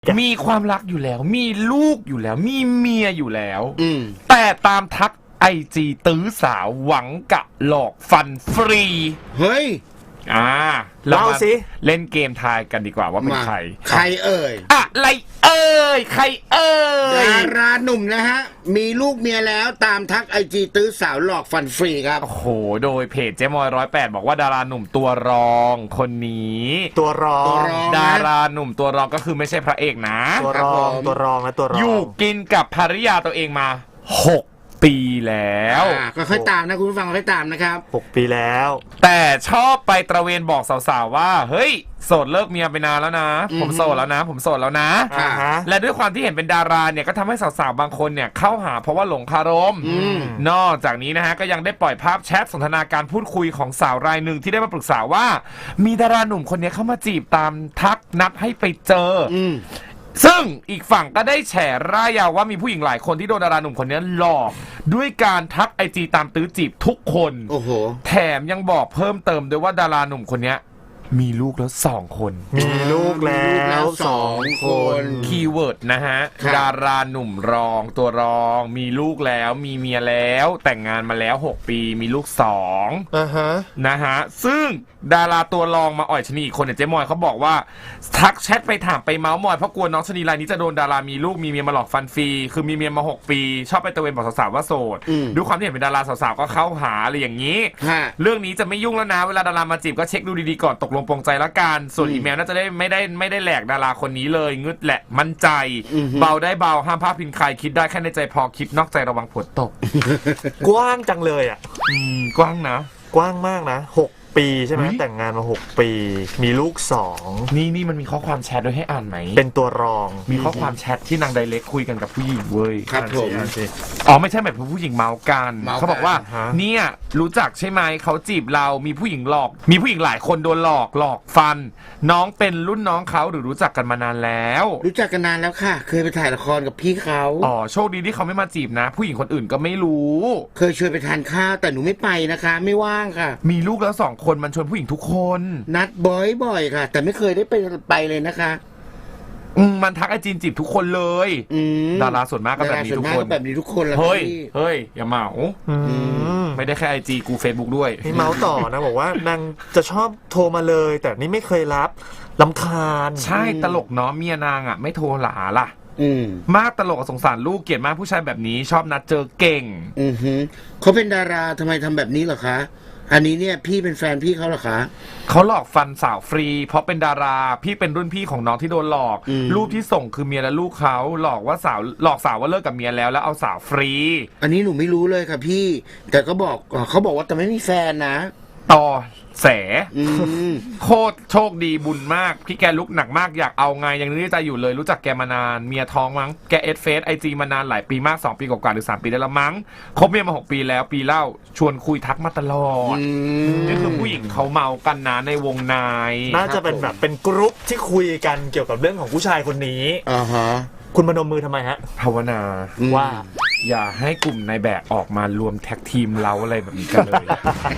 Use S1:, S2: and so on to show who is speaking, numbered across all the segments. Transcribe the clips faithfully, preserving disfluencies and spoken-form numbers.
S1: มีความรักอยู่แล้วมีลูกอยู่แล้วมีเมียอยู่แล้ว
S2: อืม
S1: แต่ตามทักไอจีตื้อสาวหวังกะหลอกฟันฟรี
S2: เฮ้ย
S1: อ่า
S3: เล่าสิ
S1: เล่นเกมทายกันดีกว่าว่าเป็นใคร
S2: ใครเอ่ย
S1: อะไรเอ่ยใครเอ่ย
S2: ดาราหนุ่มนะฮะมีลูกเมียแล้วตามทักไอจีตื้อสาวหลอกฟันฟรีครับ
S1: โอ้โหโดยเพจเจ๊มอยร้อยแปดบอกว่าดาราหนุ่มตัวรองคนนี้
S3: ตัวรอง
S1: ดาราหนุ่มตัวรองก็คือไม่ใช่พระเอกนะ
S3: ตัวรองตัวรองและตัวรอง
S1: อยู่กินกับภรรยาตัวเองมาหกปีแล้ว
S2: ก็ค่อยตามนะคุณผู้ฟังค่อยตามนะครับ
S3: หกปีแล้ว
S1: แต่ชอบไปตระเวนบอกสาวๆว่าเฮ้ยโสดเลิกเมียไปนานแล้วนะผมโสดแล้วนะผมโสดแล้วนะและด้วยความที่เห็นเป็นดาราเนี่ยก็ทำให้สาวๆบางคนเนี่ยเข้าหาเพราะว่าหลงคารมนอกจากนี้นะฮะก็ยังได้ปล่อยภาพแชทสนทนาการพูดคุยของสาวรายหนึ่งที่ได้มาปรึกษาว่ามีดาราหนุ่มคนนี้เข้ามาจีบตามทักนัดให้ไปเจอซึ่งอีกฝั่งก็ได้แฉร่ายยาวว่ามีผู้หญิงหลายคนที่โดนดาราหนุ่มคนนี้หลอกด้วยการทักไอจีตามตื้อจีบทุกคน
S2: โอ้โห
S1: แถมยังบอกเพิ่มเติมด้วยว่าดาราหนุ่มคนนี้มีลูกแล้วสองคน
S3: มีลูกแล้วสองคน
S1: คีย์เวิร์ดนะฮะดาราหนุ่มรองตัวรองมีลูกแล้วมีเมียแล้วแต่งงานมาแล้วหกปีมีลูกสอง
S3: อ่าฮะ
S1: นะฮะซึ่งดาราตัวรองมาอ่อยชนีอีกคนเนี่ยเจ๊มอยเขาบอกว่าทักแชทไปถามไปเมาส์มอยเพราะกลัวน้องชนีรายนี้จะโดนดารามีลูกมีเมียมาหลอกฟันฟรีคือมีเมียมาหกปีชอบไปตะเวนบอกสาวๆว่าโสดด้วยความที่เห็นเป็นดาราสาวๆก็เข้าหาอะไรอย่างนี้เรื่องนี้จะไม่ยุ่งแล้วนะเวลาดารามาจีบก็เช็คดูดีๆก่อนตกลงปรงใจละกันส่วนอีเมลน่าจะได้ไม่ได้ไม่ได้แหลกดาราคนนี้เลยงึดแหละมั่นใจเบาได้เบาห้ามพลาดพิงใครคิดได้แค่ในใจพอคิดนอกใจระวังผลตก
S3: กว้างจังเลยอ่ะ
S1: กว้างนะ
S3: กว้างมากนะหกปีใช่ไหมแต่งงานมาหกปีมีลูกสอง
S1: นี่นี่มันมีข้อความแชทด้วยให้อ่านไหม
S3: เป็นตัวรอง
S1: มีข้อความแชทที่นางไดเรกคุยกันกับผู้หญิงเว้ย
S2: ครับผม
S1: อ๋อไม่ใช่แบบผู้หญิงเมากันเขาบอกว่าเนี่ยรู้จักใช่ไหมเขาจีบเรามีผู้หญิงหลอกมีผู้หญิงหลายคนโดนหลอกหลอกฟันน้องเป็นรุ่นน้องเขาหรือรู้จักกันมานานแล้ว
S2: รู้จักกันนานแล้วค่ะเคยไปถ่ายละครกับพี่เขา
S1: อ๋อโชคดีที่เขาไม่มาจีบนะผู้หญิงคนอื่นก็ไม่รู้
S2: เคยชวนไปทานข้าวแต่หนูไม่ไปนะคะไม่ว่างค่ะ
S1: มีลูกแล้วสองคนมันชวนผู้หญิงทุกคน
S2: นัดบ่อยๆค่ะแต่ไม่เคยได้ไปไปเลยนะคะ
S1: อืมมันทักไอจีนจีบทุกคนเลยดาราส่วนมากก็แบบนี้ทุกคน
S2: แบบนี้ทุกคนแล้ว
S1: เฮ้ยเฮ้ยอย่าเมาไม่ได้แค่ไอจีกูเฟซบุ๊กด้วย
S3: นี่เมาต่อนะบอกว่านางจะชอบโทรมาเลยแต่นี่ไม่เคยรับรำคาญ
S1: ใช่ตลกเนาะเมียนางอ่ะไม่โทรหาล่ะมากตลกสงสารลูกเกลียดมากผู้ชายแบบนี้ชอบนัดเจอเก่ง
S2: อือฮึเขาเป็นดาราทำไมทำแบบนี้เหรอคะอันนี้เนี่ยพี่เป็นแฟนพี่เขาเหรอคะ
S1: เขาหลอกฟันสาวฟรีเพราะเป็นดาราพี่เป็นรุ่นพี่ของน้องที่โดนหลอกรูปที่ส่งคือเมียและลูกเขาหลอกว่าสาวหลอกสาวว่าเลิกกับเมียแล้วแล้วเอาสาวฟรี
S2: อันนี้หนูไม่รู้เลยค่ะพี่แต่ก็บอกเขาบอกว่าแต่ไม่มีแฟนนะ
S1: ต่อแสโคตรโชคดีบุญมากพี่แกลุกหนักมากอยากเอาไงยังนึกในใจอยู่เลยรู้จักแกมานานเมียท้องมั้งแกเอสเฟซไอจีมานานหลายปีมากสองปีกว่าหรือสามปีได้แล้วมั้งคบเมียมาหกปีแล้วปีเล่าชวนคุยทักมาตลอดนี่คือผู้หญิงเขาเมากันนะในวงใน
S3: น่าจะเป็นแบบเป็นกรุ๊ปที่คุยกันเกี่ยวกับเรื่องของผู้ชายคนนี้
S2: อ่าฮะ
S3: คุณมนมมือทำไมฮะ
S1: ภาวนา
S3: ว่า
S1: อย่าให้กลุ่มนายแบบออกมารวมแท็กทีมเราอะไรแบบนี้กันเลย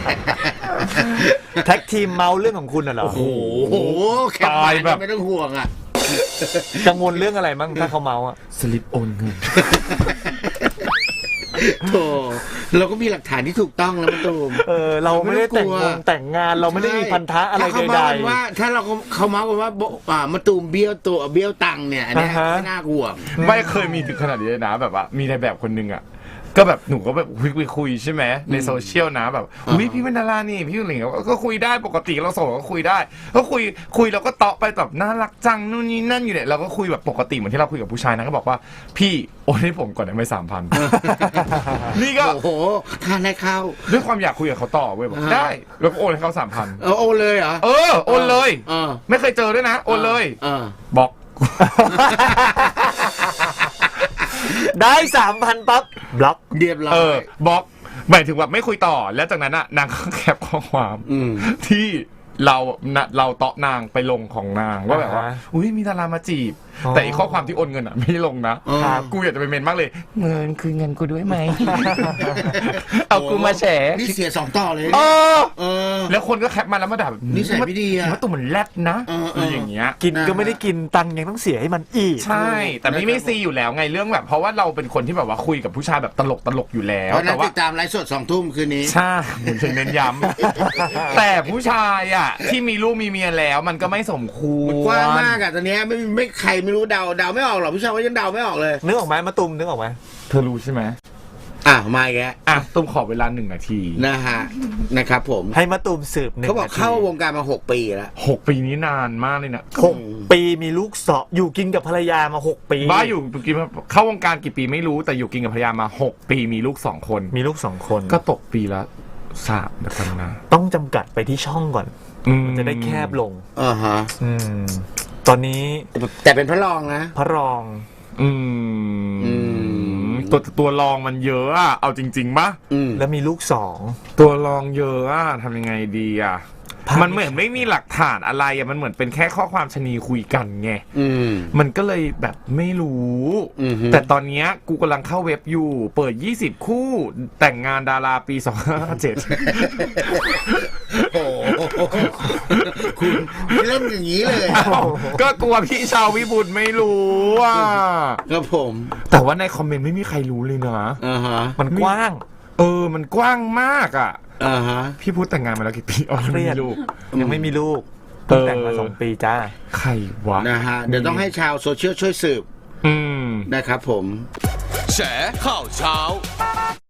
S3: แท็กทีมเมาเรื่องของคุณน่ะเหรอ
S2: โอ้โหตายแบบไม่ต้องห่วงอ่ะ
S3: กังวลเรื่องอะไรบ้างถ้าเขาเมาอ่ะ
S1: สลิปโอนเงิน
S2: โธ่เราก็มีหลักฐานที่ถูกต้องแล้วมะตูม
S3: เออเราไม่ได้แต่งงานแต่งงานเราไม่ได้มีพันธะอะไรใด
S2: ๆว่าถ้าเราเขาเมากันว่าอ่ามะตูมเบี้ยวตัวเบี้ยวตังเนี่ยอันนี้ไม่น่ากลัว
S1: ไม่เคยมีถึงขนาดนี้เลยนะแบบว่ามีในแบบคนนึงอ่ะก็แบบหนูก็แบบคุยคุยใช่ไหมในโซเชียลนะแบบอุ้ยพี่เป็นดารานี่พี่อะไรเงี้ยก็คุยได้ปกติเราโสดก็คุยได้ก็คุยคุยเราก็เตาะไปแบบน่ารักจังนู่นนี่นั่นอยู่เนี่ยเราก็คุยแบบปกติเหมือนที่เราคุยกับผู้ชายนะก็บอกว่าพี่โอนให้ผมก่อนได้ไหมสามพันนี่ก็
S2: โอ้โหทานให้เข้า
S1: ด้วยความอยากคุยกับเขาต่อเว้ยบอกได้แล้วก็โอนให้เขาสามพัน
S2: เออโอนเลยเหรอ
S1: เออโอนเลยไม่เคยเจอด้วยนะโอนเลยบอก
S3: ได้สามพันปั๊บบล็อก
S2: เรียบร้อย
S1: เออบล็อกหมายถึงแบบไม่คุยต่อแล้วจากนั้นน่ะนางก็แคปข้อความที่เราเราเตาะนางไปลงของนางว่าแบบว่าอุ้ยมีดารามาจีบแต่อีกข้อความที่โอนเงินอ่ะไม่ลงนะกูอยากจะไปเมนมากเลยเงินคือเงินกูด้วยไหมเอากูมาแฉ
S2: นี่เสียสองต่อเลย
S1: เออแล้วคนก็แคปมาแล้วมาด่าแบบ
S2: นิสัยไม่ดีอะ
S1: ว่าตัวเหมือนแรดนะ
S2: เออเออ
S1: อะไรอย่างเงี้ย
S3: กินก็ไม่ได้กินตังค์ยังต้องเสียให้มันอีก
S1: ใช่ แต่ไม่ไม่ซีอยู่แล้วไงเรื่องแบบ เพราะว่าเราเป็นคนที่แบบว่าคุยกับผู้ชายแบบตลกตลกอยู่แล้ว
S2: เพราะนั้
S1: แต่
S2: น
S1: ว่า
S2: ติดตามไลฟ์สดสองทุ่มคืนนี้
S1: ใช่ผมจะเน้นย้ำ แต่ผู้ชายอ่ะที่มีลูกมีเมียแล้วมันก็ไม่สมควร
S2: มันกว้างมากอะตอนเนี้ยไม่ไม่ใครไม่รู้เดาเดาไม่ออกหรอกผู้ชายว่ายังเดาไม่ออกเลย
S3: นึกออกไหมมาตุมนึกออกไหม
S1: เธอรู้ใช่ไหม
S2: อ่ะมาอีกแล้ว
S1: อ่ะตุ้มขอเวลาหนึ่งนาที
S2: นะฮะนะครับผม
S3: ให้มาตุมสืบหนึ่ง
S2: เขาบอก
S3: นที
S2: เข้าวงการมาหกปีแล้ว
S1: หกปีนี้นานมากเลยนะ
S3: หกปีมีลูกสองอยู่กินกับภรรยามาหกปี
S1: บ้าอยู่กินเข้าวงการกี่ปีไม่รู้แต่อยู่กินกับภรรยามาหกปีมีลูกสองคน
S3: มีลูกสองคน
S1: ก็ตกปีละสามเดี๋ยวกันนะ
S3: ต้องจำกัดไปที่ช่องก่อน
S1: อืม
S3: จะได้แคบลง
S2: อ่าฮะ
S3: อืม ตอนนี้
S2: แต่เป็นพระรองนะ
S3: พระรอง
S1: อื
S2: อื
S1: ม
S2: ม
S1: ตัวตัวรองมันเยอะอะเอาจริงๆปะ
S2: อืม
S3: แล้วมีลูกสอง
S1: ตัวรองเยอะอะทำยังไงดีอะ
S3: ภาพ
S1: มันเหมือนไม่มีหลักฐานอะไรอะมันเหมือนเป็นแค่ข้อความชนีคุยกันไง
S2: อืม
S1: มันก็เลยแบบไม่รู้
S2: อือฮึ
S1: แต่ตอนเนี้ยกูกำลังเข้าเว็บอยู่ เปิดยี่สิบคู่แต่งงานดาราปีสองพันห้าร้อยเจ็ด
S2: โอ้โหคุณเล่นอย่างนี้เลย
S1: ก็กลัวพี่ชาววิบุตรไม่รู้อ่ะ
S2: ครับผม
S1: แต่ว่าในคอมเมนต์ไม่มีใครรู้เลยนะ
S2: อ่าฮะ
S3: มันกว้าง
S1: เออ มันกว้างมากอ่ะ
S2: อ่าฮะ
S1: พี่พูดแต่งงานมาแล้วกี่ปีอ๋อ
S3: เครี
S1: ไม่
S3: ยด
S1: มีลูก
S3: ยังไม่มีลูกเพิ่งแต่งมา
S1: เออ
S3: สองปีจ้า
S1: ใครวะ
S2: นะฮะ เดี๋ยวต้องให้ชาวโซเชียลช่วยสืบ
S1: อืม
S2: นะครับผม
S4: แฉข่าวเช้า